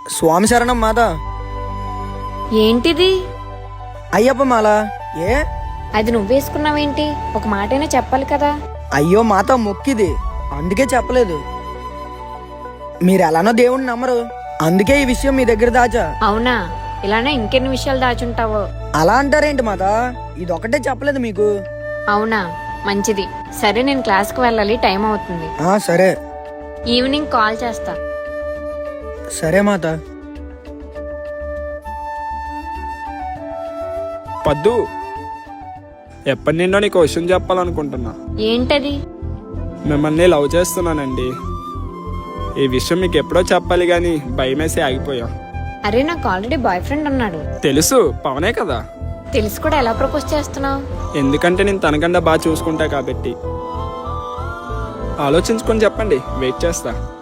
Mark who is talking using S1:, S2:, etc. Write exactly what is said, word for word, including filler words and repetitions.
S1: స్వామి శరణం మాత.
S2: ఏంటిది?
S1: అయ్యప్ప మాల. ఏ
S2: అది నువ్వేసుకున్నావేంటి? ఒక మాటైనా చెప్పాలి కదా.
S1: అయ్యో మాత, మొక్కిది, అందుకే చెప్పలేదు. మీరు ఎలానో దేవుణ్ణి నమ్మరు, అందుకే ఈ విషయం మీ దగ్గర దాచా.
S2: అవునా? ఇలానే ఇంకెన్ని విషయాలు దాచుంటావో.
S1: అలా అంటారేంటి మాత, ఇదొకటే చెప్పలేదు మీకు.
S2: అవునా, మంచిది. సరే, నేను క్లాస్కి వెళ్ళాలి, టైం అవుతుంది.
S1: ఆ సరే.
S2: ఈవినింగ్ కాల్ చేస్తా.
S1: సరే మాత.
S3: పద్దు, ఎప్పటి నిండో నీకు విషయం చెప్పాలనుకుంటున్నా.
S2: ఏంటది?
S3: మిమ్మల్ని లవ్ చేస్తున్నానండి. ఈ విషయం మీకు ఎప్పుడో చెప్పాలి గాని భయమేసి ఆగిపోయా.
S2: అరే, నాకు ఆల్రెడీ బాయ్ ఫ్రెండ్ ఉన్నాడు.
S3: తెలుసు, పవనే కదా.
S2: తెలిసి కూడా ఎలా ప్రపోజ్ చేస్తున్నావు?
S3: ఎందుకంటే నేను తనకన్నా బాగా చూసుకుంటా కాబట్టి. ఆలోచించుకొని చెప్పండి, వెయిట్ చేస్తా.